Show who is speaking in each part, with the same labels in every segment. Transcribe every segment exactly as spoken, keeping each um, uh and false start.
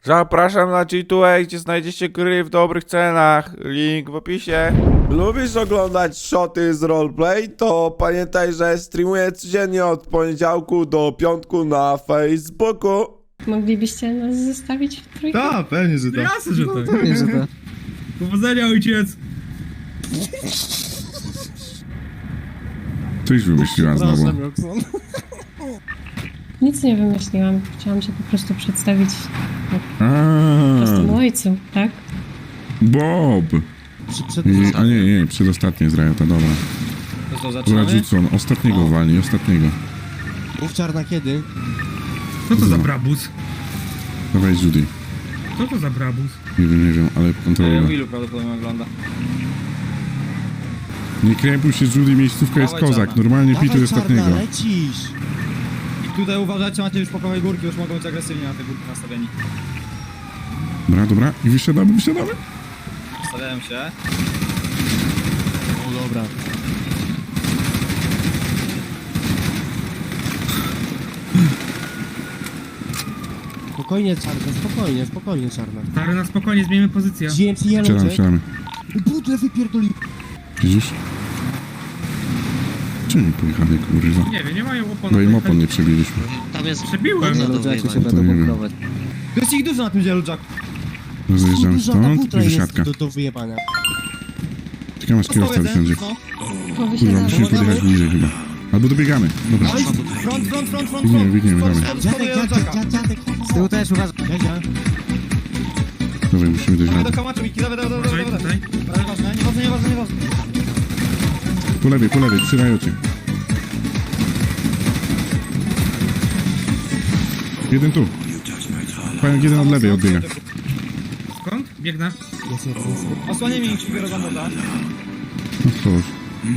Speaker 1: Zapraszam na G dwa A, gdzie znajdziecie gry w dobrych cenach. Link w opisie.
Speaker 2: Lubisz oglądać shoty z roleplay? To pamiętaj, że streamuję codziennie od poniedziałku do piątku na Facebooku.
Speaker 3: Moglibyście nas zostawić w trójkę?
Speaker 4: Tak, pewnie, że tak.
Speaker 5: Jasne, że tak.
Speaker 6: Pewnie, że tak.
Speaker 5: Powodzenia, ojciec.
Speaker 4: Coś wymyśliła znowu.
Speaker 3: Nic nie wymyśliłam. Chciałam się po prostu przedstawić
Speaker 4: Aaa,
Speaker 3: prostemu ojcu, tak?
Speaker 4: Bob!
Speaker 6: Przed,
Speaker 4: I, a nie, nie, przedostatnie z Riota, dobra.
Speaker 5: To co,
Speaker 4: Dobra,
Speaker 5: zaczynamy?
Speaker 4: Judson, ostatniego walni, ostatniego.
Speaker 6: Mów czarna kiedy?
Speaker 5: Co to za brabus?
Speaker 4: Dawaj, Judy.
Speaker 5: Co to za brabus?
Speaker 4: Nie wiem, nie wiem, ale kontroluję.
Speaker 5: Willu prawdopodobnie ogląda.
Speaker 4: Nie krępuj się, Judy, miejscówka jest
Speaker 5: Dawaj,
Speaker 4: kozak.
Speaker 5: czarna.
Speaker 4: Normalnie pituj
Speaker 6: Dawaj,
Speaker 4: ostatniego.
Speaker 6: czarna, lecisz!
Speaker 5: I tutaj uważajcie, macie już po prawej górki, już mogą być agresywnie na te górki nastawieni.
Speaker 4: Dobra, dobra, i wysiadamy, wysiadamy.
Speaker 5: Stawiałem się.
Speaker 6: O, dobra. Spokojnie, czarna, spokojnie, spokojnie, czarna.
Speaker 5: Stary, na spokojnie, zmienimy pozycję.
Speaker 6: G M C Yellow
Speaker 4: Wsiadamy,
Speaker 6: Jack.
Speaker 4: wsiadamy.
Speaker 6: Butle wypierdoli.
Speaker 4: Widzisz? Czemu nie pojechali, kurwa?
Speaker 5: Nie wiem, nie mają opon.
Speaker 4: Bo im opon nie przebiliśmy.
Speaker 7: Tam jest
Speaker 5: Przebiłem.
Speaker 7: bardzo
Speaker 6: Yellow Jacky się
Speaker 7: wyjebane.
Speaker 4: To
Speaker 6: będą
Speaker 4: nie wiem.
Speaker 6: bunkrować.
Speaker 5: To jest ich dużo na tym Yellow Jacku.
Speaker 4: Rozjeżdżamy
Speaker 6: Duża ta
Speaker 4: stąd
Speaker 6: butra
Speaker 4: i
Speaker 6: jest
Speaker 4: wysiadka.
Speaker 6: do, do wyjebania.
Speaker 4: Czekamy, aż kierowca wysiądzie.
Speaker 5: Co?
Speaker 3: Po
Speaker 4: Kurwa,
Speaker 3: wysiadaniu.
Speaker 4: musimy podjechać bliżej chyba. Albo dobiegamy. Dobra.
Speaker 5: Front, front, front, front, front.
Speaker 4: Biegniemy, biegniemy,
Speaker 5: Spod-
Speaker 4: dawaj.
Speaker 5: spod- spod
Speaker 6: Dziadek,
Speaker 5: Yellow
Speaker 6: dziadek,
Speaker 5: Jacka.
Speaker 6: dziadek, dziadek. Z tyłu też, uważaj. Jadzia.
Speaker 4: Dawaj, musimy dojść
Speaker 5: Dawaj
Speaker 4: na...
Speaker 5: do kamaczu, Miki, dawaj, dawaj, dawaj,
Speaker 7: Uważaj
Speaker 5: dawaj.
Speaker 7: tutaj.
Speaker 5: Nieważne, nieważne, nieważne, nieważne.
Speaker 4: Po lewej, po lewej, przy rajocie. Jeden tu. Pająk jeden od lewej odbiega.
Speaker 5: Skąd? Biegnę.
Speaker 6: Jest jeden, jest jeden.
Speaker 5: Osłanie mi ci biorę za moda.
Speaker 4: No chodź.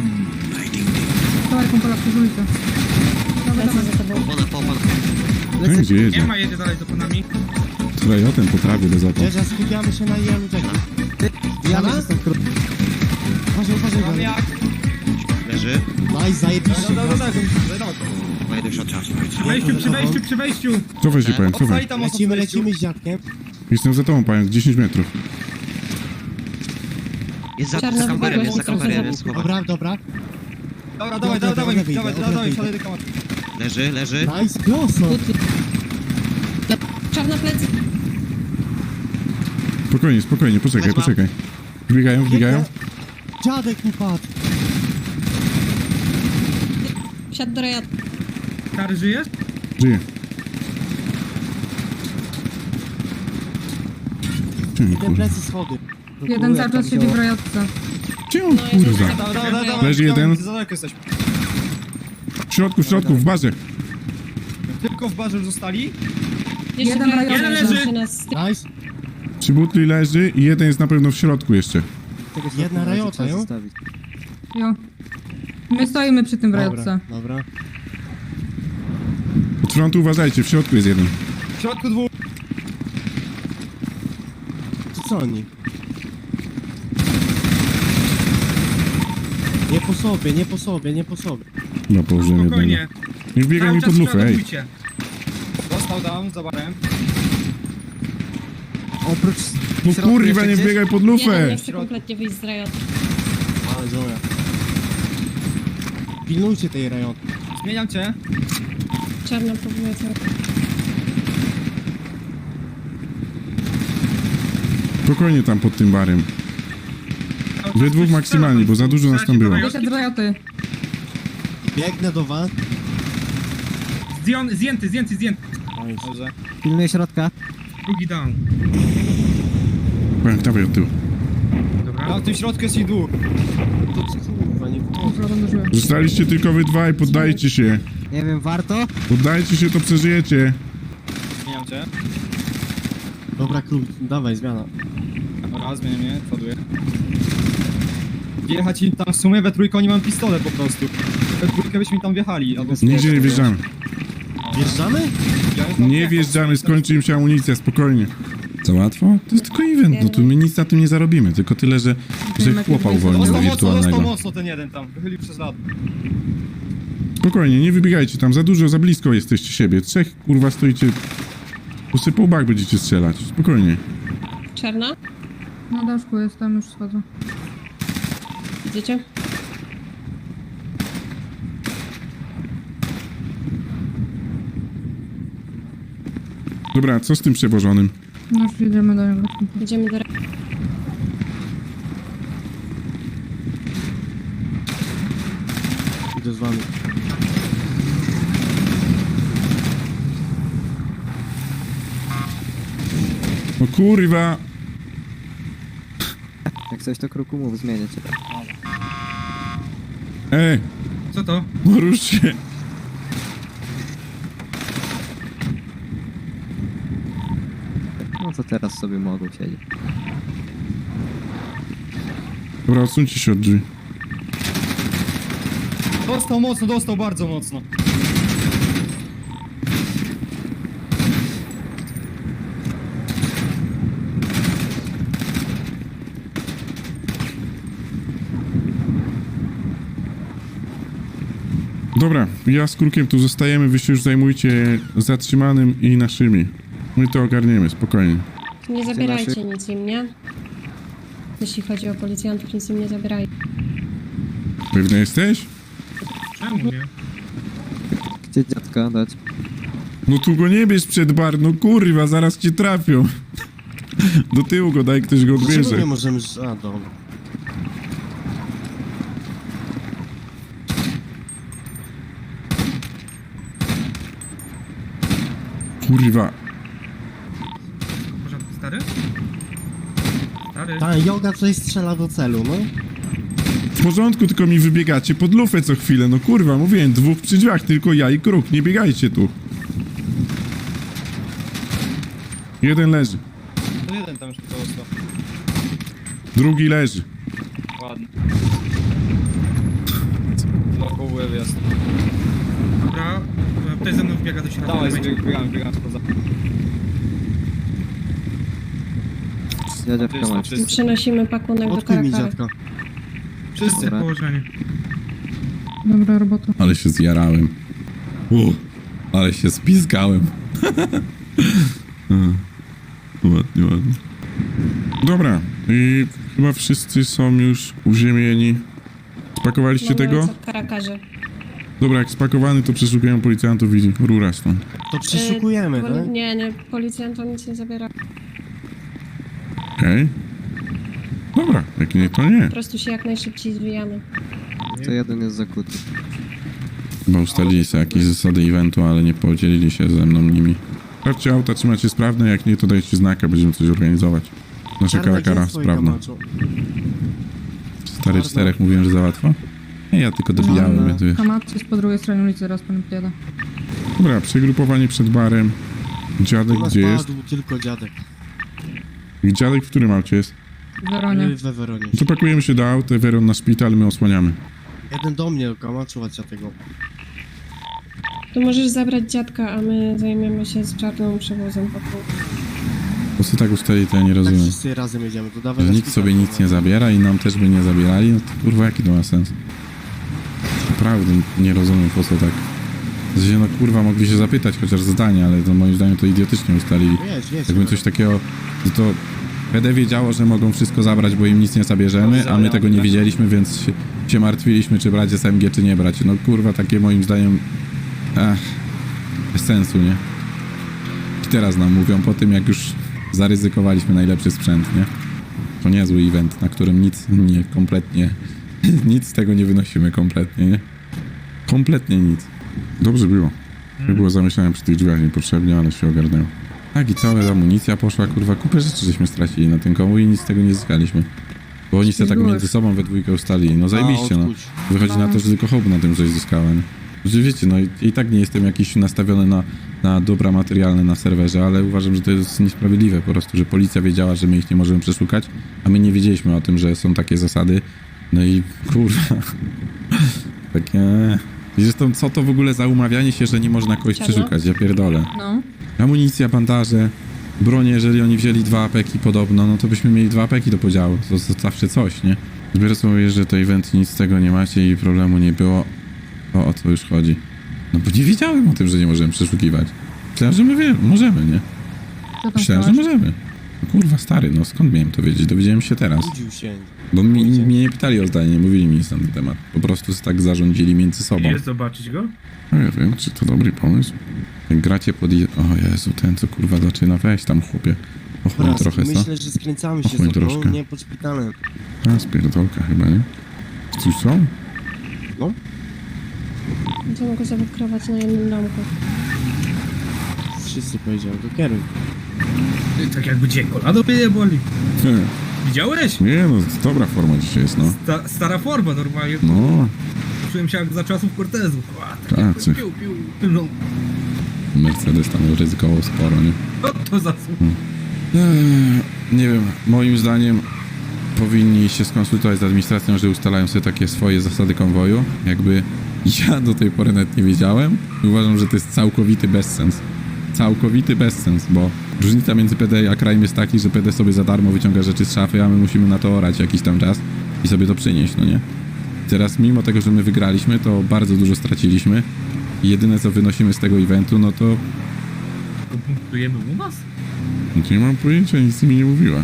Speaker 3: Lecę za tobą.
Speaker 7: Opona, opona.
Speaker 4: No i gdzie
Speaker 5: Nie
Speaker 4: jedzie?
Speaker 5: ma, jedzie dalej za panami.
Speaker 4: Z rajotem po trawie bez opon.
Speaker 6: Jadzia, skupiamy się na Yellow Jacku. Jana? Uważaj, uważaj,
Speaker 5: Mam
Speaker 6: uważaj.
Speaker 5: jak.
Speaker 7: Leży.
Speaker 6: Nice, zajebiście.
Speaker 5: Dobra, dobra, dobra, dobra.
Speaker 7: Moje do środka.
Speaker 5: Przy wejściu, przy wejściu, przy wejściu.
Speaker 4: Cofaj się, pająk,
Speaker 5: Obstali
Speaker 4: cofaj.
Speaker 5: tam osób
Speaker 6: Lecimy,
Speaker 5: w wejściu.
Speaker 6: lecimy z dziadkiem.
Speaker 4: Jestem za tobą, pająk, dziesięć metrów.
Speaker 7: Jest za,
Speaker 3: Czarna
Speaker 7: za kamperem, jest za
Speaker 3: wypadła,
Speaker 7: kamperem,
Speaker 3: trochę
Speaker 7: jest
Speaker 3: za-
Speaker 7: chłopak.
Speaker 6: Dobra, dobra.
Speaker 5: Dobra, dawaj, dawaj, dawaj,
Speaker 6: Dobra,
Speaker 5: dawaj,
Speaker 6: dobra,
Speaker 5: dawaj,
Speaker 6: dobra.
Speaker 5: dawaj do kamaczu.
Speaker 7: Leży, leży.
Speaker 6: Nice, prosto.
Speaker 3: Czarna plecy.
Speaker 4: Spokojnie, spokojnie, poczekaj,
Speaker 7: Chodź, mam.
Speaker 4: poczekaj. Wbiegają, wbiegają.
Speaker 6: Dziadek mi padł.
Speaker 3: Wsiadł do rejonu.
Speaker 5: Stary, żyjesz?
Speaker 4: Żyje. Czemu,
Speaker 6: Jeden
Speaker 4: kurwa?
Speaker 6: plecy schody.
Speaker 8: Jeden cały czas siedzi w rajotce.
Speaker 4: Czemu, kurwa?
Speaker 5: Dawaj, dawaj, dawaj, dawaj.
Speaker 4: Leży jeden.
Speaker 5: Za daleko jesteśmy.
Speaker 4: W środku, w środku, w bazie.
Speaker 5: Tylko w barze już zostali.
Speaker 3: Jeszcze
Speaker 8: Jeden
Speaker 3: w rejonu,
Speaker 8: rajon
Speaker 3: żeby
Speaker 5: leży.
Speaker 3: się nas...
Speaker 6: Nice.
Speaker 4: Trzy butli leży i jeden jest na pewno w środku jeszcze.
Speaker 6: Jedna rajota, jo?
Speaker 8: Jo. My stoimy przy tym w
Speaker 6: Dobra,
Speaker 8: rajotce.
Speaker 6: dobra.
Speaker 4: Od frontu uważajcie, w środku jest jeden.
Speaker 5: W środku dwóch.
Speaker 6: To co oni? Nie po sobie, nie po sobie, nie po sobie.
Speaker 4: No, położyłem jednego.
Speaker 5: Spokojnie.
Speaker 4: Nie wbiegaj
Speaker 5: Cały
Speaker 4: mi
Speaker 5: czas
Speaker 4: pod lufę, ej.
Speaker 5: przeładowujcie. Dostał down, za barem.
Speaker 6: Oprócz...
Speaker 4: No kurwa, nie wbiegaj pod
Speaker 3: Jeden
Speaker 4: lufę!
Speaker 3: nie chce kompletnie wyjść z rejonu.
Speaker 6: Ale zoja. Pilnujcie tej rajoty.
Speaker 5: Zmieniam cię.
Speaker 3: Czarna próbuje cały...
Speaker 4: Spokojnie tam pod tym barem. Wy dwóch maksymalnie, bo za dużo nas tam było.
Speaker 8: Wyszedł z rajoty.
Speaker 6: Biegnę do was.
Speaker 5: Zdjął- Zdjęty, zdjęty, zdjęty.
Speaker 6: Nice.
Speaker 5: Dobrze.
Speaker 6: Pilnuję środka.
Speaker 5: Drugi down.
Speaker 4: Pająk, dawaj od tyłu.
Speaker 5: Dobra. A w tym środku jest ich dwóch.
Speaker 6: To co kurwa, nie...
Speaker 4: Zostaliście tylko wy dwa i poddajcie się.
Speaker 6: Nie wiem, warto?
Speaker 4: Poddajcie się, to przeżyjecie.
Speaker 5: Zmieniam cię.
Speaker 6: Dobra, król, dawaj, zmiana.
Speaker 5: Dobra, zmieniam mnie, ładuję. Wjechać im tam w sumie we trójkę, oni mam pistolet po prostu. We trójkę byśmy tam wjechali, albo...
Speaker 4: Nigdzie nie wjeżdżamy.
Speaker 6: Wjeżdżamy?
Speaker 4: Nie wjeżdżamy, skończy im się amunicja, spokojnie. Za łatwo? To jest tylko event, no tu my nic na tym nie zarobimy, tylko tyle, że, że chłopa uwolnimy
Speaker 5: Dostał mocno, dostał
Speaker 4: wirtualnego.
Speaker 5: mocno ten jeden tam, wychylił przez lat.
Speaker 4: Spokojnie, nie wybiegajcie tam, za dużo, za blisko jesteście siebie. Trzech, kurwa, stoicie Posypał bak, będziecie strzelać. Spokojnie.
Speaker 3: Czarna?
Speaker 8: Na daszku jestem, już schodzę.
Speaker 3: Widzicie?
Speaker 4: Dobra, co z tym przewożonym?
Speaker 8: No już jedziemy do niego.
Speaker 3: Idziemy do...
Speaker 6: Idę z wami.
Speaker 4: No kurwa!
Speaker 6: Jak coś to kruku mów, zmienię cię.
Speaker 4: Ej,
Speaker 5: Co to?
Speaker 4: no rusz się!
Speaker 6: No to teraz sobie mogą siedzieć.
Speaker 4: Dobra, odsuńcie się od drzwi.
Speaker 5: Dostał mocno, dostał bardzo mocno.
Speaker 4: Dobra, ja z Krukiem tu zostajemy, wy się już zajmujcie zatrzymanym i naszymi. My to ogarniemy, spokojnie.
Speaker 3: Nie zabierajcie nic im, nie? Jeśli chodzi o policjantów, nic im nie zabierajcie.
Speaker 4: Pewny jesteś?
Speaker 5: Czemu nie?
Speaker 6: Gdzie dziadka dać?
Speaker 4: No tu go nie bierz przed bar, no kurwa, zaraz cię trafią. Do tyłu go daj, ktoś go odbierze.
Speaker 6: możemy... A, dobra.
Speaker 4: Kurwa.
Speaker 5: W porządku, stary? Stary?
Speaker 6: Ta joga coś strzela do celu, no.
Speaker 4: W porządku, tylko mi wybiegacie pod lufę co chwilę. No kurwa, mówiłem, dwóch przy drzwiach, tylko ja i Kruk, nie biegajcie tu. Jeden leży,
Speaker 5: To jeden tam już tylko został.
Speaker 4: drugi leży.
Speaker 5: Ładnie. Blokowy wjazd. Dobra, ktoś ze mną wbiega do środka. Dawaj, biegamy, biegamy poza.
Speaker 6: Ja dziadka mam.
Speaker 3: Przenosimy pakunek do karakary.
Speaker 5: Wszyscy
Speaker 6: Dobra.
Speaker 5: położeni.
Speaker 8: Dobra robota.
Speaker 4: Ale się zjarałem. U, ale się spizgałem. Ładnie, ładnie. Dobra, i chyba wszyscy są już uziemieni. Spakowaliście
Speaker 3: Mamy
Speaker 4: tego?
Speaker 3: ojca w karakarze.
Speaker 4: Dobra, jak spakowany, to przeszukują policjantów i rura stąd.
Speaker 6: To
Speaker 3: E, poli- Nie, nie, policjantom nic nie zabiera.
Speaker 4: Okej. Dobra, jak nie, to nie.
Speaker 3: Po prostu się jak najszybciej zwijamy.
Speaker 6: To jeden jest zakuty.
Speaker 4: Chyba ustalili sobie jakieś zasady eventu, ale nie podzielili się ze mną nimi. Patrzcie, auta trzymacie sprawne, jak nie, to dajcie znaka, będziemy coś organizować. Nasza karakara sprawna. Stary czterech mówiłem, że za łatwo? Nie, ja tylko dobijałem, więc wiesz.
Speaker 8: Kamat jest po drugiej stronie ulicy, raz pan podjada.
Speaker 4: Dobra, przegrupowanie przed barem. Dziadek gdzie jest?
Speaker 6: tylko dziadek.
Speaker 4: Dziadek w którym aucie jest?
Speaker 8: Weronie.
Speaker 6: We Weronie.
Speaker 4: No to pakujemy się do auta, Weron na szpital, my osłaniamy.
Speaker 6: Jeden do mnie, kamaczu, tego.
Speaker 3: To możesz zabrać dziadka, a my zajmiemy się z czarną przewozem pakunku.
Speaker 4: Po co tak ustali, to ja nie rozumiem.
Speaker 6: wszyscy razem jedziemy, to dawaj
Speaker 4: Że
Speaker 6: na
Speaker 4: nikt
Speaker 6: szpital,
Speaker 4: sobie nic nie zabiera i nam też by nie zabierali, no to kurwa jaki to ma sens? Naprawdę nie rozumiem po co tak. W sensie, no kurwa mogli się zapytać chociaż zdanie, ale to moim zdaniem to idiotycznie ustalili.
Speaker 6: Jedź, jedź.
Speaker 4: Jakby coś takiego, no to P D wiedziało, że mogą wszystko zabrać, bo im nic nie zabierzemy, a my tego nie wiedzieliśmy, więc się, się martwiliśmy, czy brać S M G, czy nie brać. No kurwa, takie moim zdaniem, ach, bez sensu, nie? I teraz nam mówią po tym, jak już zaryzykowaliśmy najlepszy sprzęt, nie? To niezły event, na którym nic nie, kompletnie, nic z tego nie wynosimy kompletnie, nie? Kompletnie nic. Dobrze było. Nie było zamyślałem przy tych drzwiach niepotrzebnie, ale się ogarnęło. Tak, i cała amunicja poszła, kurwa, kupę rzeczy żeśmy stracili na tym komu i nic z tego nie zyskaliśmy. Bo oni sobie tak
Speaker 8: Byłeś.
Speaker 4: między sobą we dwójkę ustalili. No zajebiście, no. Wychodzi na to, że tylko Hope na tym coś zyskałem. Że wiecie, no i, i tak nie jestem jakiś nastawiony na, na dobra materialne na serwerze, ale uważam, że to jest niesprawiedliwe po prostu, że policja wiedziała, że my ich nie możemy przeszukać, a my nie wiedzieliśmy o tym, że są takie zasady. No i kurwa. Takie... I zresztą co to w ogóle za umawianie się, że nie można kogoś
Speaker 3: Czarno?
Speaker 4: przeszukać? Ja pierdolę.
Speaker 8: No.
Speaker 4: Amunicja, bandaże, bronie, jeżeli oni wzięli dwa apeki podobno, no to byśmy mieli dwa apeki do podziału. To, to zawsze coś, nie? Zbiorę sobie, że to event nic z tego nie macie i problemu nie było. O, o co już chodzi? No bo nie wiedziałem o tym, że nie możemy przeszukiwać. Myślałem, że my wiemy, możemy, nie?
Speaker 8: Co tam
Speaker 4: Myślałem, że
Speaker 8: chciałeś?
Speaker 4: możemy. No kurwa, stary, no skąd miałem to wiedzieć? Dowiedziałem się teraz.
Speaker 2: Budził się.
Speaker 4: Bo mi, mnie nie pytali o zdanie, nie mówili mi nic na ten temat. Po prostu tak zarządzili między sobą.
Speaker 5: Jest zobaczyć go?
Speaker 4: No ja wiem, czy to dobry pomysł. Jak gracie pod... i- O Jezu, ten co kurwa zaczyna, weź tam chłopie. Ochłoń
Speaker 2: Raz,
Speaker 4: trochę, co?
Speaker 2: myślę, że skręcamy się
Speaker 4: Ochłoń
Speaker 2: z tobą,
Speaker 4: troszkę.
Speaker 2: nie pod szpitalem.
Speaker 4: A, spierdolka chyba, nie? Cóż co?
Speaker 3: Będziemy go zawodkrować na jednym domku.
Speaker 2: Wszyscy powiedziałem, to kieruj.
Speaker 5: Tak jakby cię kolano mnie boli. Widziałeś?
Speaker 4: Nie no, to dobra forma dzisiaj jest, no.
Speaker 5: Sta, stara forma normalnie.
Speaker 4: No,
Speaker 5: Czułem się jak za czasów Cortezu. Ła, tak
Speaker 4: Tak,
Speaker 5: jakby
Speaker 4: czy-
Speaker 5: piu, piu. No,
Speaker 4: Mercedes tam ryzykował sporo, nie?
Speaker 5: no to za słuch.
Speaker 4: Eee, nie wiem, moim zdaniem powinni się skonsultować z administracją, że ustalają sobie takie swoje zasady konwoju. Jakby ja do tej pory nawet nie wiedziałem i uważam, że to jest całkowity bezsens. Całkowity bezsens, bo różnica między P D a krajem jest taki, że P D sobie za darmo wyciąga rzeczy z szafy, a my musimy na to orać jakiś tam czas i sobie to przynieść, no nie? Teraz mimo tego, że my wygraliśmy, to bardzo dużo straciliśmy i jedyne co wynosimy z tego eventu, no to
Speaker 5: To punktujemy u nas?
Speaker 4: nie mam pojęcia, nic mi nie mówiła.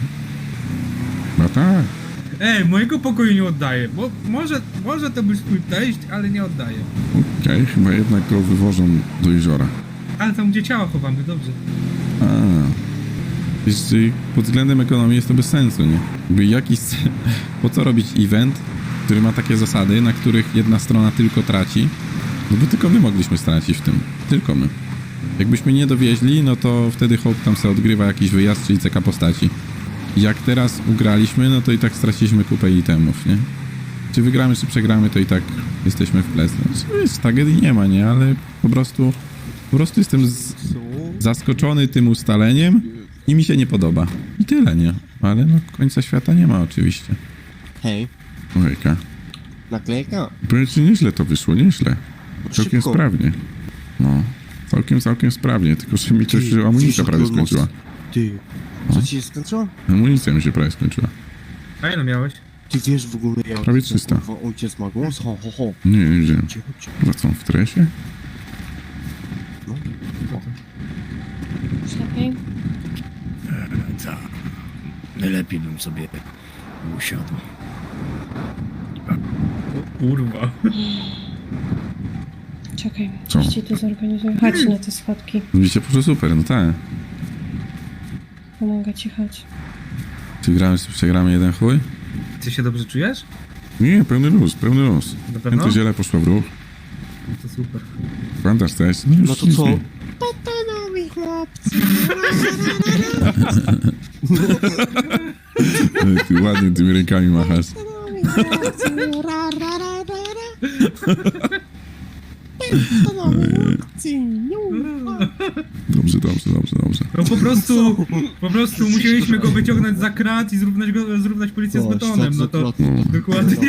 Speaker 4: No tak.
Speaker 5: Ej, mojego pokoju nie oddaję, bo może, może to być twój teść, ale nie oddaję.
Speaker 4: Okej, chyba jednak go wywożą do jeziora.
Speaker 5: Ale tam gdzie ciała chowamy, dobrze.
Speaker 4: A. Wiesz, czyli pod względem ekonomii jest to bez sensu, nie? Jakby jakiś... Po co robić event, który ma takie zasady, na których jedna strona tylko traci? No bo tylko my mogliśmy stracić w tym. Tylko my. Jakbyśmy nie dowieźli, no to wtedy Hope tam sobie odgrywa jakiś wyjazd, czyli C K postaci. Jak teraz ugraliśmy, no to i tak straciliśmy kupę itemów, nie? Czy wygramy, czy przegramy, to i tak jesteśmy w plecy. Znaczy, wiesz, tragedii nie ma, nie? Ale po prostu... Po prostu jestem z... zaskoczony tym ustaleniem i mi się nie podoba. I tyle, nie? Ale no końca świata nie ma oczywiście.
Speaker 2: Hej,
Speaker 4: Ojejka.
Speaker 2: naklejka.
Speaker 4: Powiem ci, nieźle to wyszło, nieźle. Całkiem
Speaker 2: Szybko.
Speaker 4: sprawnie. No. Całkiem, całkiem sprawnie, tylko że mi coś
Speaker 2: Ty,
Speaker 4: amunicja
Speaker 2: wiesz,
Speaker 4: prawie
Speaker 2: jak on
Speaker 4: skończyła.
Speaker 2: mocno- Ty, co ci się skończyło?
Speaker 4: Amunicja mi się prawie skończyła.
Speaker 5: A ile miałeś?
Speaker 2: Ty wiesz w ogóle jak...
Speaker 4: Prawie trzysta.
Speaker 2: kurwa, ojciec ma głos? Ho, ho, ho.
Speaker 4: Nie, nie wiedziałem.
Speaker 2: Cicho, cicho.
Speaker 4: Chyba co, w tresie?
Speaker 2: No.
Speaker 3: Już lepiej?
Speaker 9: Tak. Najlepiej bym sobie usiadł.
Speaker 5: O kurwa.
Speaker 3: Czekaj,
Speaker 4: Co?
Speaker 3: coś ci tu zorganizuję. Chodź na te schodki.
Speaker 4: Widzicie, poszło super, no tak.
Speaker 3: Pomogę ci, chodź.
Speaker 4: Czy gramy, czy przegramy jeden chuj?
Speaker 5: Ty się dobrze czujesz?
Speaker 4: Nie, pełny luz, pełny luz.
Speaker 5: Na pewno?
Speaker 4: To ziele poszło w ruch.
Speaker 5: No to super.
Speaker 4: Fantastycznie.
Speaker 2: No to co?
Speaker 4: Ty ładnie tymi rękami machasz. Dobrze, dobrze, dobrze, dobrze.
Speaker 5: No po prostu, po prostu musieliśmy go wyciągnąć za krat i zrównać go, zrównać policję z betonem, no to
Speaker 4: No.
Speaker 5: dokładnie.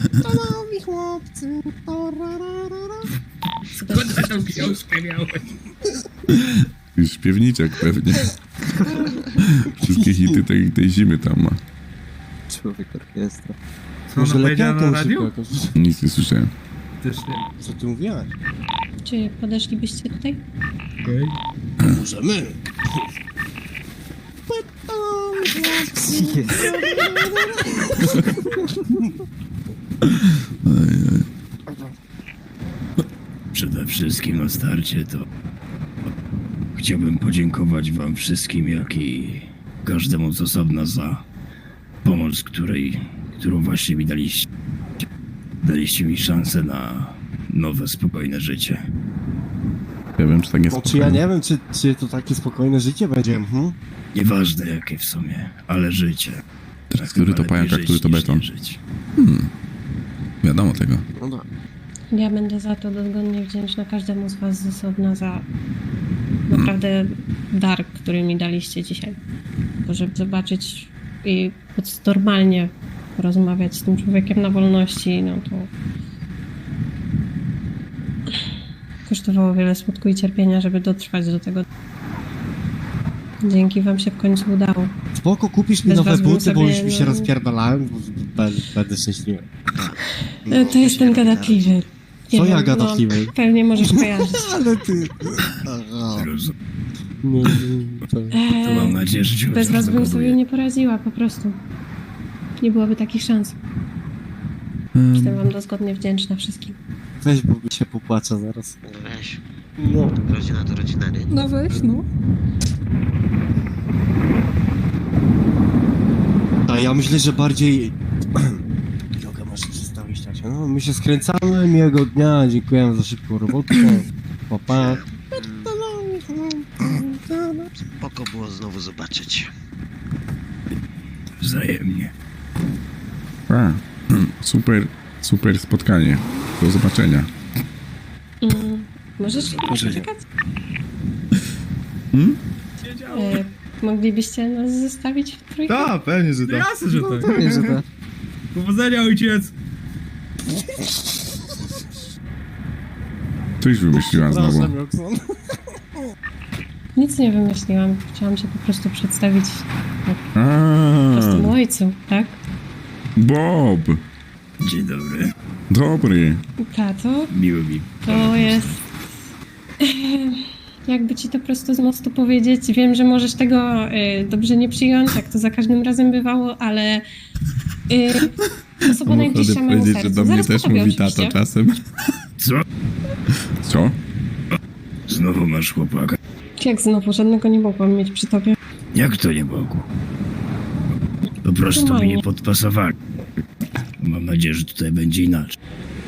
Speaker 5: Skąd ty tą książkę miałeś?
Speaker 4: Już śpiewniczek pewnie. Wszystkie hity tej, tej zimy tam ma.
Speaker 2: Człowiek orkiestra.
Speaker 5: Co ona powiedziała na radiu?
Speaker 4: Nic nie słyszałem.
Speaker 5: Też nie.
Speaker 2: Co ty mówiłaś?
Speaker 3: Czy podeszlibyście tutaj?
Speaker 5: Okej.
Speaker 2: Możemy.
Speaker 9: Przede wszystkim na starcie to chciałbym podziękować wam wszystkim, jak i każdemu z osobna za pomoc, której, którą właśnie mi daliście. Daliście mi szansę na nowe, spokojne życie.
Speaker 4: Ja wiem, czy tak jest.
Speaker 2: No, czy ja nie wiem, czy, czy to takie spokojne życie będzie, hm?
Speaker 9: Nieważne jakie w sumie, ale życie.
Speaker 4: Teraz który to
Speaker 9: Chyba
Speaker 4: pajak, a
Speaker 9: lepiej
Speaker 4: który
Speaker 9: żyć
Speaker 4: to
Speaker 9: niż
Speaker 4: beton.
Speaker 9: nie żyć.
Speaker 4: Wiadomo tego.
Speaker 2: No tak.
Speaker 3: Ja będę za to dozgodnie wdzięczna każdemu z was z osobna za naprawdę dar, który mi daliście dzisiaj. Bo żeby zobaczyć i móc normalnie rozmawiać z tym człowiekiem na wolności, no to kosztowało wiele smutku i cierpienia, żeby dotrwać do tego. Dzięki wam się w końcu udało.
Speaker 2: Spoko, kupisz mi
Speaker 3: Bez
Speaker 2: nowe
Speaker 3: was bym
Speaker 2: buty, bo
Speaker 3: sobie,
Speaker 2: już mi się
Speaker 3: no-
Speaker 2: rozpierdalałem, bo będę, będę szczęśliwy.
Speaker 3: E, To jest ten gadatliwy. Nie
Speaker 2: Co
Speaker 3: wiem,
Speaker 2: ja gadatliwy?
Speaker 3: No, pewnie możesz kojarzyć.
Speaker 2: Ale ty...
Speaker 9: Roz...
Speaker 6: Nie, nie, to...
Speaker 9: To mam
Speaker 3: Eee,
Speaker 9: nadzieję, że cię
Speaker 3: bez
Speaker 9: chociaż
Speaker 3: was bym sobie
Speaker 9: zakoduję.
Speaker 3: nie poradziła, po prostu. Nie byłoby takich szans.
Speaker 4: Mm.
Speaker 3: Jestem wam dozgodnie wdzięczna wszystkim.
Speaker 6: Weź, bo mi się popłaca zaraz.
Speaker 7: Weź.
Speaker 6: No.
Speaker 7: Rodzina to rodzina, nie?
Speaker 8: No weź, no.
Speaker 6: A ja myślę, że bardziej... Drogę masz przedstawić, tak? No, my się skręcamy, miłego dnia, dziękuję za szybką robotę. Pa, pa.
Speaker 7: Spoko było znowu zobaczyć.
Speaker 9: Wzajemnie.
Speaker 4: A, super, super spotkanie. Do zobaczenia.
Speaker 3: Mm, możesz poczekać?
Speaker 4: Hmm?
Speaker 3: E, moglibyście nas zostawić w trójkę?
Speaker 5: Tak, pewnie, że tak. Jasne, że tak.
Speaker 6: Pewnie, że tak.
Speaker 5: Powodzenia, ojciec.
Speaker 4: Coś wymyśliła znowu.
Speaker 6: Przepraszam, Roxon.
Speaker 3: Nic nie wymyśliłam. Chciałam się po prostu przedstawić
Speaker 4: A,
Speaker 3: prostemu ojcu, tak?
Speaker 4: Bob.
Speaker 9: Dzień dobry.
Speaker 4: Dobry.
Speaker 3: Tato,
Speaker 9: Miło mi.
Speaker 3: to jest... Jakby ci to prosto z mostu powiedzieć, wiem, że możesz tego y, dobrze nie przyjąć, jak to za każdym razem bywało, ale y, osoba najbliższa mojemu
Speaker 4: powiedzieć, że
Speaker 3: sercu.
Speaker 4: do mnie
Speaker 3: Zaraz
Speaker 4: też
Speaker 3: powiem
Speaker 4: mówi tato
Speaker 3: oczywiście.
Speaker 4: czasem.
Speaker 9: Co?
Speaker 4: Co?
Speaker 9: Znowu masz chłopaka.
Speaker 3: Jak znowu, żadnego nie mogłam mieć przy tobie.
Speaker 9: Jak to nie mogło? Po prostu mi
Speaker 3: Normalnie.
Speaker 9: nie podpasowali. Mam nadzieję, że tutaj będzie inaczej.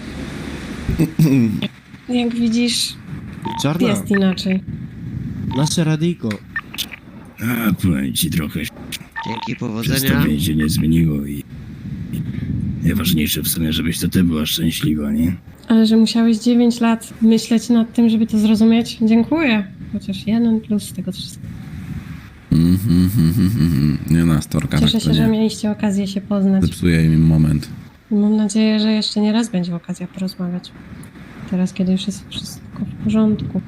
Speaker 3: Jak widzisz,
Speaker 6: Czarna,
Speaker 3: jest inaczej.
Speaker 6: nasze radyjko.
Speaker 9: A, powiem ci trochę.
Speaker 7: Dzięki, powodzenia.
Speaker 9: Przedstawienie się nie zmieniło i... i najważniejsze w sumie, żebyś to ty była szczęśliwa, nie?
Speaker 3: Ale że musiałeś dziewięć lat myśleć nad tym, żeby to zrozumieć, dziękuję. Chociaż jeden plus z tego wszystkiego.
Speaker 4: Mhm, mhm, mhm. Nie na storka,
Speaker 3: Cieszę
Speaker 4: tak to
Speaker 3: się, że
Speaker 4: nie.
Speaker 3: mieliście okazję się poznać.
Speaker 4: Zepsuje im moment.
Speaker 3: I mam nadzieję, że jeszcze nie raz będzie okazja porozmawiać. Teraz, kiedy już jest wszystko w porządku.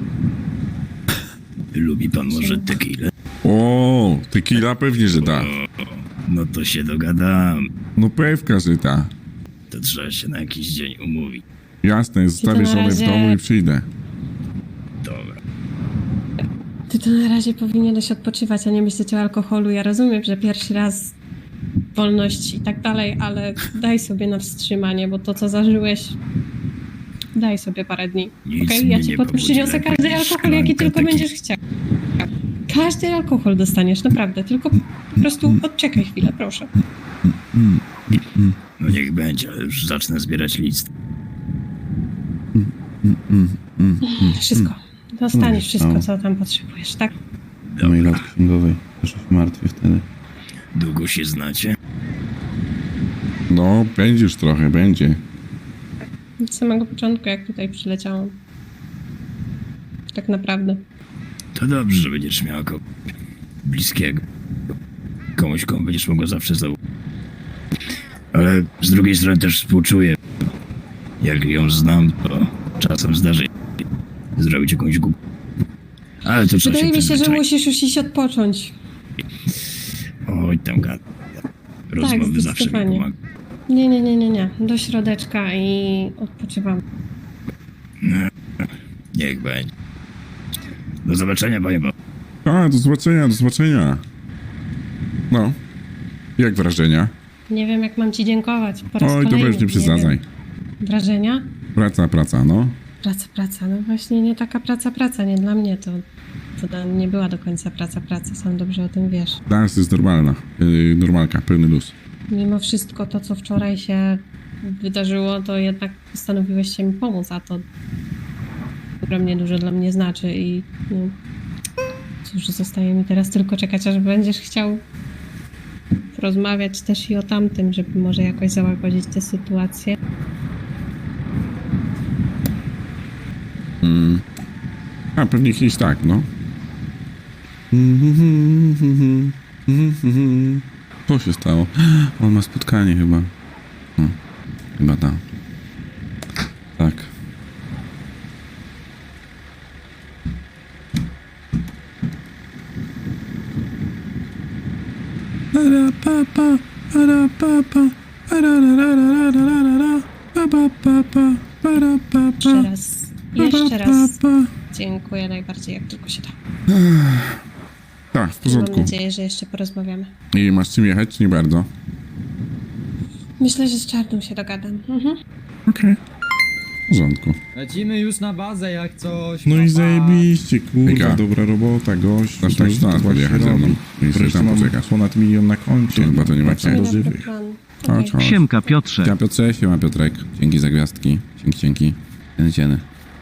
Speaker 9: Lubi pan może tequilę?
Speaker 4: O, tequila pewnie, że da.
Speaker 9: No to się dogadam.
Speaker 4: No pewka, że da.
Speaker 9: To trzeba się na jakiś dzień umówić.
Speaker 4: Jasne, zostawię
Speaker 3: na
Speaker 4: sobie w
Speaker 3: razie-
Speaker 4: domu i przyjdę.
Speaker 9: Dobra.
Speaker 3: Ty to na razie powinieneś odpoczywać, a nie myśleć o alkoholu. Ja rozumiem, że pierwszy raz wolność i tak dalej, ale daj sobie na wstrzymanie, bo to, co zażyłeś, daj sobie parę dni.
Speaker 9: Nic
Speaker 3: Okej,
Speaker 9: mnie
Speaker 3: ja ci
Speaker 9: nie
Speaker 3: pod,
Speaker 9: pobudzi
Speaker 3: przyniosę
Speaker 9: lepiej
Speaker 3: każdy
Speaker 9: niż
Speaker 3: alkohol, jaki
Speaker 9: szklanka
Speaker 3: tylko
Speaker 9: tequili.
Speaker 3: będziesz chciał. Każdy alkohol dostaniesz, naprawdę. Tylko po prostu odczekaj chwilę, proszę.
Speaker 9: No niech będzie, ale już zacznę zbierać list.
Speaker 3: Wszystko. Dostaniesz
Speaker 4: Mm,
Speaker 3: wszystko,
Speaker 4: no.
Speaker 3: co tam potrzebujesz, tak?
Speaker 4: Mojej lat księgowej. Też się martwię wtedy.
Speaker 9: Długo się znacie?
Speaker 4: No, będziesz trochę, będzie.
Speaker 3: Od samego początku, jak tutaj przyleciałam. Tak naprawdę.
Speaker 9: To dobrze, że będziesz miała kogoś bliskiego. Komuś, komu będziesz mogła zawsze zaufać. Ale z drugiej strony też współczuję. Jak ją znam, to czasem zdarzy się zrobić jakąś głupę. Ale to trzeba
Speaker 3: Wydaje
Speaker 9: się
Speaker 3: mi się, że
Speaker 9: przyzwyczaić.
Speaker 3: musisz już iść odpocząć.
Speaker 9: Oj, tam gada. Rozmowy zawsze mi
Speaker 3: zdecydowanie.
Speaker 9: pomagają.
Speaker 3: Nie, nie, nie, nie, nie. Do środeczka i odpoczywam.
Speaker 9: Niech będzie. Do zobaczenia, panie Bob.
Speaker 4: A, do zobaczenia, do zobaczenia. No. Jak wrażenia?
Speaker 3: Nie wiem, jak mam ci dziękować. Po raz
Speaker 4: Oj, to
Speaker 3: kolejny,
Speaker 4: weź nie
Speaker 3: nie
Speaker 4: przesadzaj.
Speaker 3: wiem. Wrażenia?
Speaker 4: Praca, praca, no.
Speaker 3: Praca, praca. No właśnie nie taka praca, praca. Nie dla mnie to, to da- nie była do końca praca, praca. Sam dobrze o tym wiesz.
Speaker 4: Teraz jest normalna. Yy, normalka, pełny luz.
Speaker 3: Mimo wszystko to, co wczoraj się wydarzyło, to jednak postanowiłeś się mi pomóc, a to ogromnie dużo dla mnie znaczy i no, cóż, zostaje mi teraz tylko czekać, aż będziesz chciał porozmawiać też i o tamtym, żeby może jakoś załagodzić tę sytuację.
Speaker 4: Mm. A, pewnie kiedyś tak, no. Co się stało? On ma spotkanie chyba. No, chyba tak. Tak. Para pa pa, para pa pa, para ra ra ra ra ra ra ra, pa pa pa pa, para pa pa.
Speaker 3: Jeszcze raz, jeszcze raz Dziękuję najbardziej, jak tylko się da.
Speaker 4: Tak, w
Speaker 3: Mam
Speaker 4: porządku.
Speaker 3: nadzieję, że jeszcze porozmawiamy.
Speaker 4: I masz czym jechać, czy nie bardzo?
Speaker 3: Myślę, że z Czarną się dogadam. Mhm.
Speaker 4: Okej. W porządku.
Speaker 5: Lecimy już na bazę jak coś.
Speaker 4: No i
Speaker 5: papa.
Speaker 4: zajebiście, kurwa,
Speaker 1: Hejka.
Speaker 4: dobra robota, gość.
Speaker 1: Dasz tak do nas podjechać ze mną i sobie tam poczekać.
Speaker 4: ponad milion na koncie.
Speaker 1: To chyba to nie ma
Speaker 4: Wracam do
Speaker 3: Dobry
Speaker 4: żywych.
Speaker 3: plan.
Speaker 1: Chodź,
Speaker 3: Okej.
Speaker 1: chodź.
Speaker 7: Siemka, Piotrze.
Speaker 1: Ja Piotrze, siema Piotrek. Dzięki za gwiazdki. Dzięki, dzięki. Cieny, cieny.